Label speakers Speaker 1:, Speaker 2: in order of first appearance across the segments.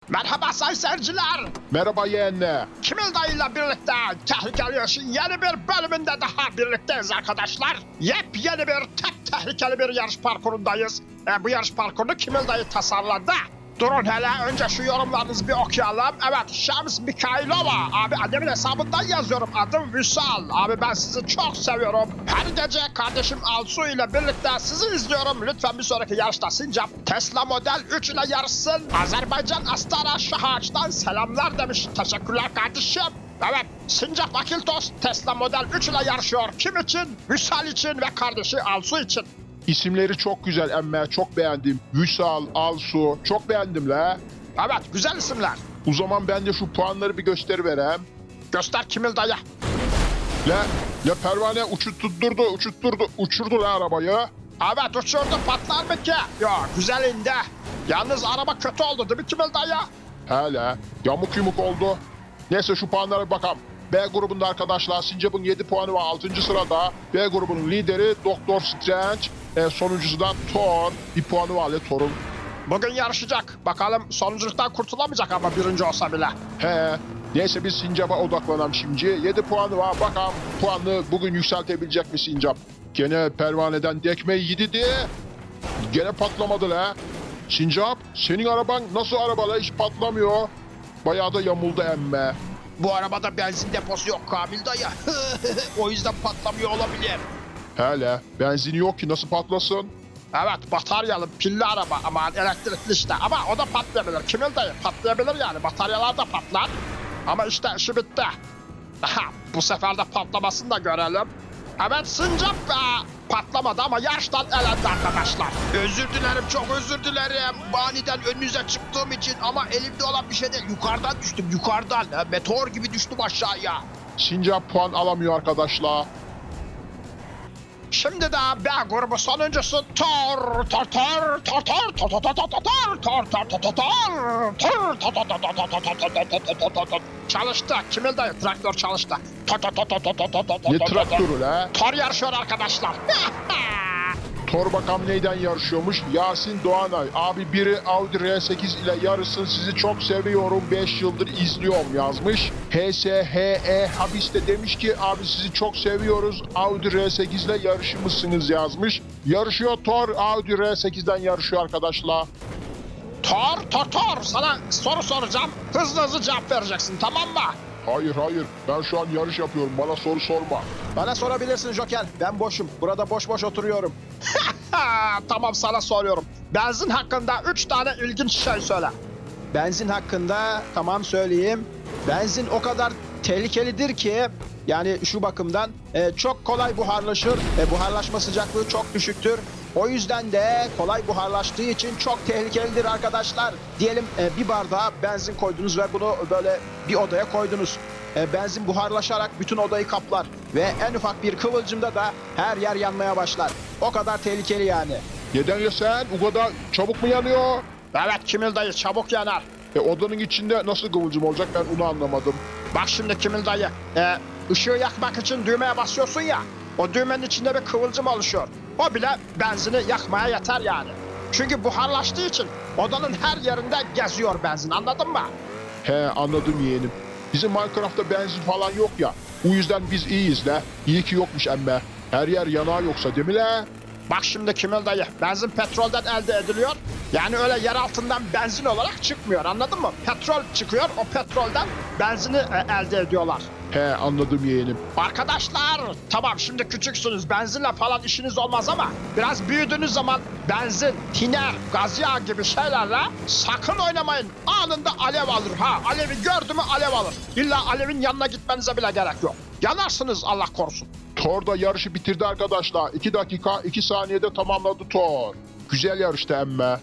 Speaker 1: Merhaba sayın seyirciler.
Speaker 2: Merhaba yeğenle.
Speaker 1: Kimil dayıyla birlikte Tehlikeli Yarış'ın yeni bir bölümünde daha birlikteyiz arkadaşlar. Yepyeni bir tek tehlikeli bir yarış parkurundayız. Bu yarış parkurunu Kimil dayı tasarladı. Durun hele önce şu yorumlarınızı bir okuyalım. Evet, Şams Mikailova. Abi annemin hesabından yazıyorum. Adım Vüsal. Abi ben sizi çok seviyorum. Her gece kardeşim Alsu ile birlikte sizi izliyorum. Lütfen bir sonraki yarışta Sincap Tesla Model 3 ile yarışsın. Azerbaycan Astara Şahaç'tan selamlar demiş. Teşekkürler kardeşim. Evet, Sincap Akiltos Tesla Model 3 ile yarışıyor. Kim için? Vüsal için ve kardeşi Alsu için.
Speaker 2: İsimleri çok güzel emme, çok beğendim. Vüsal, Alsu, çok beğendim la.
Speaker 1: Evet, güzel isimler.
Speaker 2: O zaman ben de şu puanları bir gösteriverem.
Speaker 1: Göster Kimil dayı.
Speaker 2: La pervane uçurdu la arabayı.
Speaker 1: Evet, uçurdu, patlar mı ki? Yok, güzel indi. Yalnız araba kötü oldu değil mi Kimil dayı?
Speaker 2: Hele yamuk yumuk oldu. Neyse şu puanlara bir bakalım. B grubunda arkadaşlar Sincap'ın 7 puanı var 6. sırada. B grubunun lideri Doktor Strange. Sonuncusu da Thor. Bir puanı var Thor'un.
Speaker 1: Bugün yarışacak. Bakalım sonunculuktan kurtulamayacak ama birinci olsa bile.
Speaker 2: He. Neyse biz Sincap'a odaklanalım şimdi. 7 puanı var. Bakalım puanını bugün yükseltebilecek mi Sincap? Gene pervaneden dekmeyi yedi diye. Gene patlamadı la. Sincap senin araban nasıl araba la, hiç patlamıyor. Bayağı da yamuldu emme.
Speaker 1: Bu arabada benzin deposu yok Kamil dayı. O yüzden patlamıyor olabilir.
Speaker 2: Hele benzini yok ki nasıl patlasın?
Speaker 1: Evet, bataryalı pilli araba ama elektrikli işte. Ama o da patlayabilir. Kimil dayı patlayabilir yani. Bataryalar da patlar. Ama işte işi bitti. Aha, bu sefer de patlamasını da görelim. Evet, Sincap patlamadı ama yarıştan elendi arkadaşlar. Özür dilerim, çok özür dilerim. Aniden önünüze çıktığım için ama elimde olan bir şey değil. Yukarıdan düştüm, yukarıdan. Meteor gibi düştüm aşağıya.
Speaker 2: Sincap puan alamıyor arkadaşlar.
Speaker 1: Şimdi de B grubu sonuncusu Thor. Çalıştı. Kimil dayı traktör çalıştı.
Speaker 2: Ne traktörü la?
Speaker 1: Thor yarışıyor arkadaşlar.
Speaker 2: Thor bakalım neyden yarışıyormuş? Yasin Doğanay. Abi biri Audi R8 ile yarışsın, sizi çok seviyorum, 5 yıldır izliyorum yazmış. HSHE Habis de demiş ki abi sizi çok seviyoruz, Audi R8 ile yarışır mısınız yazmış. Yarışıyor Thor, Audi R8'den yarışıyor arkadaşlar.
Speaker 1: Thor, sana soru soracağım. Hızlı hızlı cevap vereceksin, tamam mı?
Speaker 2: Hayır ben şu an yarış yapıyorum, bana soru sorma.
Speaker 1: Bana sorabilirsin Joker. Ben boşum. Burada boş boş oturuyorum. Tamam, sana soruyorum. Benzin hakkında 3 tane ilginç şey söyle. Benzin hakkında tamam söyleyeyim. Benzin o kadar tehlikelidir ki yani şu bakımdan çok kolay buharlaşır. Buharlaşma sıcaklığı çok düşüktür. O yüzden de kolay buharlaştığı için çok tehlikelidir arkadaşlar. Diyelim bir bardağa benzin koydunuz ve bunu böyle bir odaya koydunuz. Benzin buharlaşarak bütün odayı kaplar ve en ufak bir kıvılcımda da her yer yanmaya başlar. O kadar tehlikeli yani.
Speaker 2: Neden ya sen? O kadar çabuk mu yanıyor?
Speaker 1: Evet Kimil dayı, çabuk yanar.
Speaker 2: Odanın içinde nasıl kıvılcım olacak, ben onu anlamadım.
Speaker 1: Bak şimdi Kimil dayı, ışığı yakmak için düğmeye basıyorsun ya, o düğmenin içinde bir kıvılcım oluşuyor. O bile benzini yakmaya yeter yani. Çünkü buharlaştığı için odanın her yerinde geziyor benzin, anladın mı?
Speaker 2: He anladım yeğenim. Bizim Minecraft'ta benzin falan yok ya. O yüzden biz iyiyiz la. İyi ki yokmuş emme. Her yer yanağı yoksa değil mi la?
Speaker 1: Bak şimdi Kimil dayı, benzin petrolden elde ediliyor. Yani öyle yer altından benzin olarak çıkmıyor, anladın mı? Petrol çıkıyor, o petrolden benzini elde ediyorlar.
Speaker 2: He anladım yeğenim.
Speaker 1: Arkadaşlar tamam, şimdi küçüksünüz, benzinle falan işiniz olmaz ama biraz büyüdüğünüz zaman benzin, tiner, gaz yağı gibi şeylerle sakın oynamayın. Anında alev alır ha. Alevi gördü mü alev alır. İlla alevin yanına gitmenize bile gerek yok. Yanarsınız Allah korusun.
Speaker 2: Thor da yarışı bitirdi arkadaşlar. 2 dakika 2 saniyede tamamladı Thor. Güzel yarıştı emme.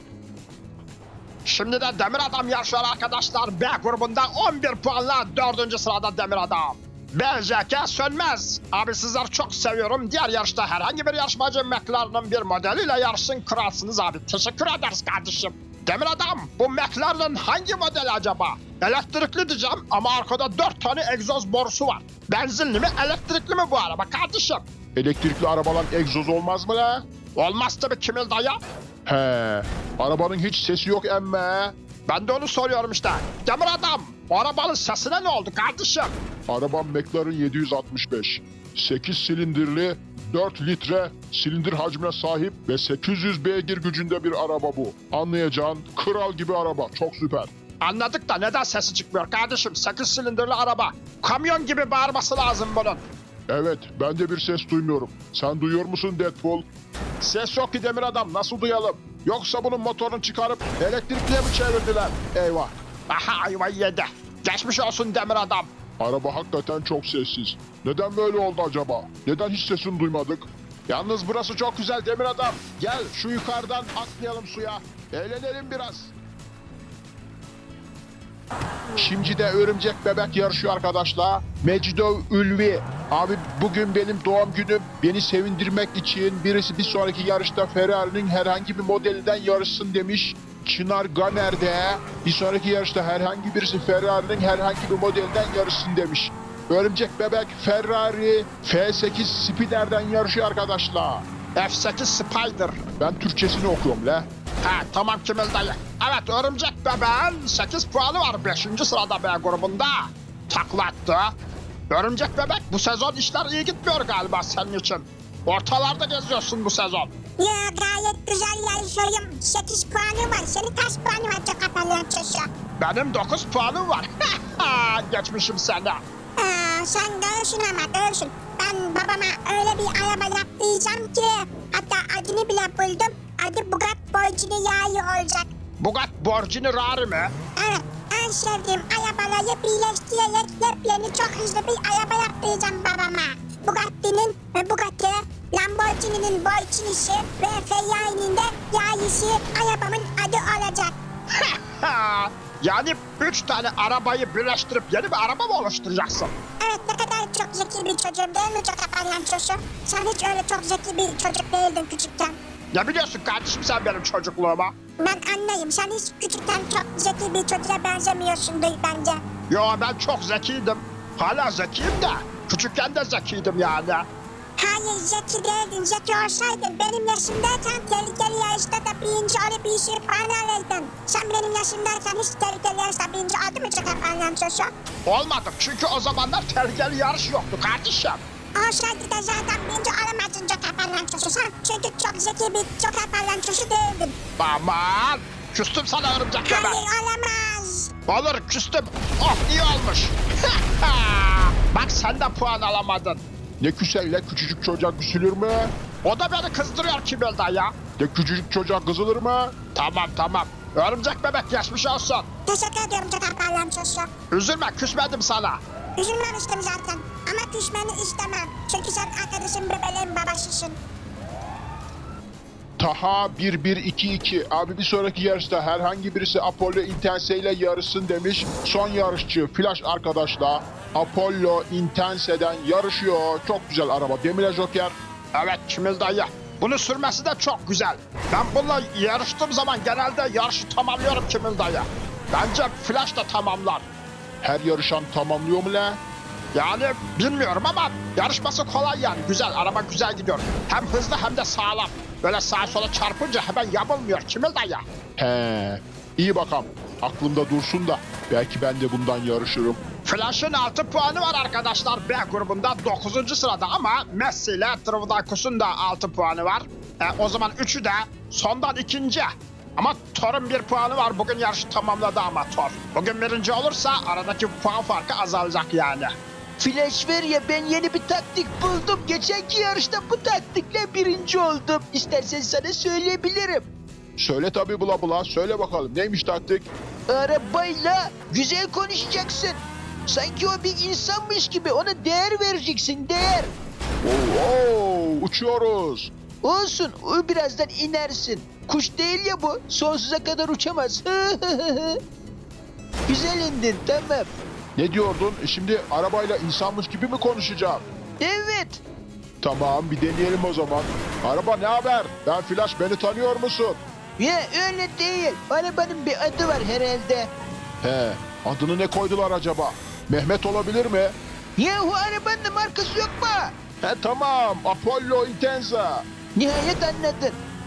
Speaker 1: Şimdi de Demir Adam yarışıyor arkadaşlar. B grubunda 11 puanla 4. sırada Demir Adam. BJK Sönmez. Abi sizleri çok seviyorum. Diğer yarışta herhangi bir yarışmacı McLaren'ın bir modeliyle yarışsın, kralsınız abi. Teşekkür ederiz kardeşim. Demir Adam, bu McLaren'ın hangi modeli acaba? Elektrikli diyeceğim ama arkada 4 tane egzoz borusu var. Benzinli mi elektrikli mi bu araba kardeşim?
Speaker 2: Elektrikli arabalar egzoz olmaz mı la?
Speaker 1: Olmaz tabii Kimil dayı.
Speaker 2: He. Arabanın hiç sesi yok emme.
Speaker 1: Ben de onu soruyorum işte. Demir adam, o arabanın sesine ne oldu kardeşim?
Speaker 2: Arabam McLaren 765. 8 silindirli, 4 litre silindir hacmine sahip ve 800 beygir gücünde bir araba bu. Anlayacağın kral gibi araba. Çok süper.
Speaker 1: Anladık da neden sesi çıkmıyor kardeşim? 8 silindirli araba. Kamyon gibi bağırması lazım bunun.
Speaker 2: Evet, ben de bir ses duymuyorum. Sen duyuyor musun Deadpool? Ses yok ki demir adam, nasıl duyalım? Yoksa bunun motorunu çıkarıp elektrikliye mi çevirdiler? Eyvah.
Speaker 1: Aha ayvayı yedi. Geçmiş olsun demir adam.
Speaker 2: Araba hakikaten çok sessiz. Neden böyle oldu acaba? Neden hiç sesini duymadık? Yalnız burası çok güzel demir adam. Gel şu yukarıdan atlayalım suya. Eğlenelim biraz. Şimdi de örümcek bebek yarışıyor arkadaşlar. Mecidov Ülvi. Abi bugün benim doğum günüm. Beni sevindirmek için birisi bir sonraki yarışta Ferrari'nin herhangi bir modelinden yarışsın demiş. Çınar Ganer de bir sonraki yarışta herhangi birisi Ferrari'nin herhangi bir modelinden yarışsın demiş. Örümcek bebek Ferrari F8 Spider'den yarışıyor arkadaşlar.
Speaker 1: F8 Spider.
Speaker 2: Ben Türkçesini okuyorum le.
Speaker 1: Ha tamam Kimil dayı. Evet örümcek bebeğin 8 puanı var 5. sırada B grubunda. Takla attı. Örümcek bebek bu sezon işler iyi gitmiyor galiba senin için. Ortalarda geziyorsun bu sezon.
Speaker 3: Ya gayet güzel yarışıyorum. 8 puanı var. Senin kaç puanı var çok palyaçosu?
Speaker 1: Benim 9 puanım var. Geçmişim seni.
Speaker 3: Sen görürsün ama görürsün. Ben babama öyle bir araba yaptıracağım ki. Hatta adını bile buldum. Adı Bugatti Borgini Yağlı olacak.
Speaker 1: Bugatti Borgini Rari mi?
Speaker 3: Evet, en sevdiğim arabaları birleştirerek yepyeni çok hızlı bir araba yaptıracağım babama. Bugatti, Lamborghini'nin Borgini'si ve Ferrari'nin de Yağlısı arabamın adı olacak.
Speaker 1: Yani 3 tane arabayı birleştirip yeni bir araba mı oluşturacaksın?
Speaker 3: Evet, ne kadar çok zeki bir çocuğum değil mi çok palyaçosu? Sen hiç öyle çok zeki bir çocuk değildin küçükken.
Speaker 1: Ne biliyorsun kardeşim sen benim çocukluğuma?
Speaker 3: Ben anlayayım. Sen hiç küçükken çok zeki bir çocuğa benzemiyorsundur bence.
Speaker 1: Yo ben çok zekiydim. Hala zekiyim de. Küçükken de zekiydim yani.
Speaker 3: Hayır zeki değildin. Zeki olsaydın benim yaşımdayken tehlikeli yarışta da birinci olup bir sürü puan alırdın. Sen benim yaşımdayken hiç tehlikeli yarışta birinci oldu mu çok palyaçosu?
Speaker 1: Olmadım çünkü o zamanlar tehlikeli yarış yoktu kardeşim.
Speaker 3: Olsaydı da zaten birinci olamazdın çok palyaçosu. Sen çünkü çok zeki bir çok palyaçosu değildin.
Speaker 1: Aman küstüm sana örümcek bebek.
Speaker 3: Hayır olamaz.
Speaker 1: Olur küstüm. Oh iyi olmuş. Bak sen de puan alamadın.
Speaker 2: Ne küselle küçücük çocuğa küsülür mü?
Speaker 1: O da beni kızdırıyor Kimil dayı.
Speaker 2: Ne küçücük çocuğa kızılır mı?
Speaker 1: Tamam. Örümcek bebek geçmiş olsun.
Speaker 3: Teşekkür ediyorum çok palyaçosu.
Speaker 1: Üzülme küsmedim sana.
Speaker 3: Üzülmemiştim zaten. Ama küsmeni istemem. Çünkü sen arkadaşım bebeğin babasısın.
Speaker 2: Taha 1122 abi bir sonraki yarışta herhangi birisi Apollo Intense ile yarışsın demiş. Son yarışçı Flash arkadaşlar Apollo Intense'den yarışıyor. Çok güzel araba. Demire Joker.
Speaker 1: Evet Kimil dayı. Bunu sürmesi de çok güzel. Ben bununla yarıştığım zaman genelde yarışı tamamlıyorum Kimil dayı. Bence Flash da tamamlar.
Speaker 2: Her yarışan tamamlıyor mu la?
Speaker 1: Yani bilmiyorum ama yarışması kolay yani. Güzel, araba güzel gidiyor. Hem hızlı hem de sağlam. Böyle sağa sola çarpınca hemen yamulmuyor Kimil dayı.
Speaker 2: He. İyi bakalım. Aklımda dursun da belki ben de bundan yarışırım.
Speaker 1: Flash'ın 6 puanı var arkadaşlar B grubunda 9. sırada ama Messi ile Trivdakus'un da 6 puanı var. O zaman 3'ü de sondan ikinci. Ama Thor'un 1 puanı var. Bugün yarışı tamamladı ama Thor. Bugün birinci olursa aradaki puan farkı azalacak yani.
Speaker 4: Flash ver ya ben yeni bir taktik buldum. Geçenki yarışta bu taktikle birinci oldum. İstersen sana söyleyebilirim.
Speaker 2: Söyle tabii bula bula. Söyle bakalım neymiş taktik?
Speaker 4: Arabayla güzel konuşacaksın. Sanki o bir insanmış gibi ona değer vereceksin, değer.
Speaker 2: Oo, uçuyoruz.
Speaker 4: Olsun, o birazdan inersin. Kuş değil ya bu, sonsuza kadar uçamaz. Güzel indin, tamam.
Speaker 2: Ne diyordun? Şimdi arabayla insanmış gibi mi konuşacağım?
Speaker 4: Evet.
Speaker 2: Tamam bir deneyelim o zaman. Araba ne haber? Ben Flash, beni tanıyor musun?
Speaker 4: Ya öyle değil. Arabanın bir adı var herhalde.
Speaker 2: He, adını ne koydular acaba? Mehmet olabilir mi?
Speaker 4: Yahu arabanın da markası yok mu?
Speaker 2: He tamam, Apollo Intensa.
Speaker 4: Nihayet anladın.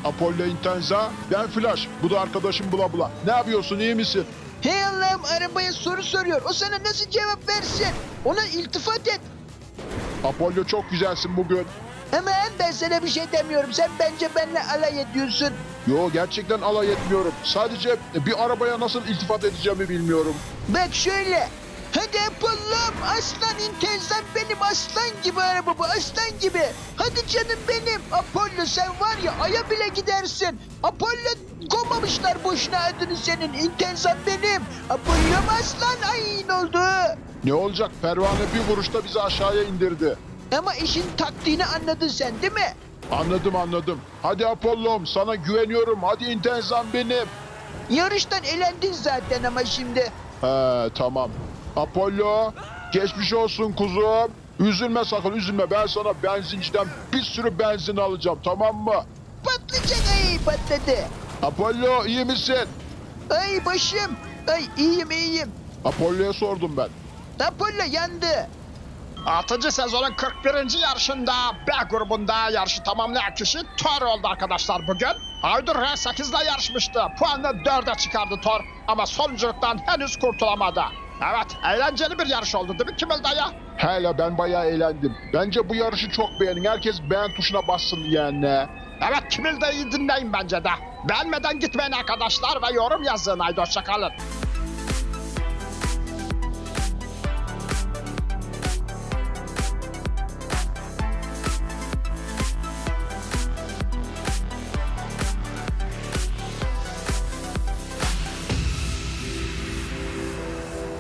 Speaker 2: Apollo Intenza, ben Flash. Bu da arkadaşım Bula Bula. Ne yapıyorsun, iyi misin?
Speaker 4: Hey Allah'ım, arabaya soru soruyor. O sana nasıl cevap versin? Ona iltifat et.
Speaker 2: Apollo çok güzelsin bugün.
Speaker 4: Hemen ben sana bir şey demiyorum. Sen bence benimle alay ediyorsun.
Speaker 2: Yo, gerçekten alay etmiyorum. Sadece bir arabaya nasıl iltifat edeceğimi bilmiyorum.
Speaker 4: Bak şöyle. Hadi Apollo'm, aslan intenzam benim, aslan gibi araba bu, aslan gibi. Hadi canım benim. Apollo, sen var ya aya bile gidersin. Apollo, koymamışlar boşuna adını senin. İntenzam benim. Apollo'm aslan, ay ne oldu?
Speaker 2: Ne olacak? Pervane bir vuruşta bizi aşağıya indirdi.
Speaker 4: Ama işin taktiğini anladın sen değil mi?
Speaker 2: Anladım. Hadi Apollo'm, sana güveniyorum. Hadi Intenzam benim.
Speaker 4: Yarıştan elendin zaten ama şimdi.
Speaker 2: He, tamam. Apollo, geçmiş olsun kuzum. Üzülme sakın, üzülme. Ben sana benzinciden bir sürü benzin alacağım, tamam mı?
Speaker 4: Patlayacak, ay patladı.
Speaker 2: Apollo, iyi misin?
Speaker 4: Ay başım. Ay iyiyim.
Speaker 2: Apollo'ya sordum ben.
Speaker 4: Apollo yandı.
Speaker 1: 6. sezonun 41. yarışında B grubunda yarışı tamamlayan kişi Thor oldu arkadaşlar bugün. Aydur R8'de yarışmıştı. Puanını 4'e çıkardı Thor ama sonunculuktan henüz kurtulamadı. Evet, eğlenceli bir yarış oldu değil mi Kimil dayı?
Speaker 2: Hele ben bayağı eğlendim. Bence bu yarışı çok beğenin. Herkes beğen tuşuna bassın yani.
Speaker 1: Evet, Kimil dayıyı dinleyin bence de. Beğenmeden gitmeyin arkadaşlar ve yorum yazın. Haydi hoşçakalın.